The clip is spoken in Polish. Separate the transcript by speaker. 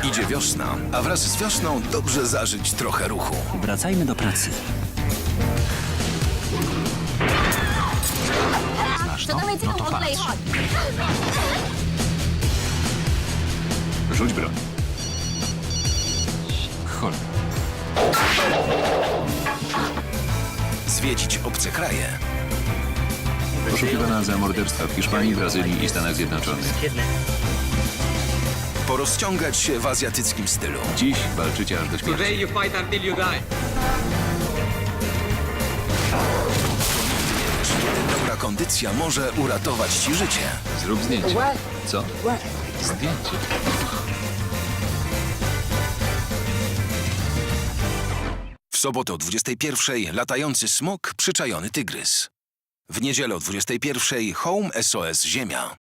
Speaker 1: Idzie wiosna, a wraz z wiosną dobrze zażyć trochę ruchu.
Speaker 2: Wracajmy do pracy. Znasz to? No to patrz.
Speaker 3: Rzuć broń. Cholera.
Speaker 1: Zwiedzić obce kraje.
Speaker 3: Poszukiwana za morderstwa w Hiszpanii, Brazylii i Stanach Zjednoczonych.
Speaker 1: Porozciągać się w azjatyckim stylu.
Speaker 3: Dziś walczycie aż do śmierci.
Speaker 4: Today you fight until you die.
Speaker 1: Kiedy dobra kondycja może uratować ci życie.
Speaker 3: Zrób zdjęcie. Co? Zdjęcie.
Speaker 1: W sobotę o 21:00 latający smok, przyczajony tygrys. W niedzielę o 21:00 Home SOS Ziemia.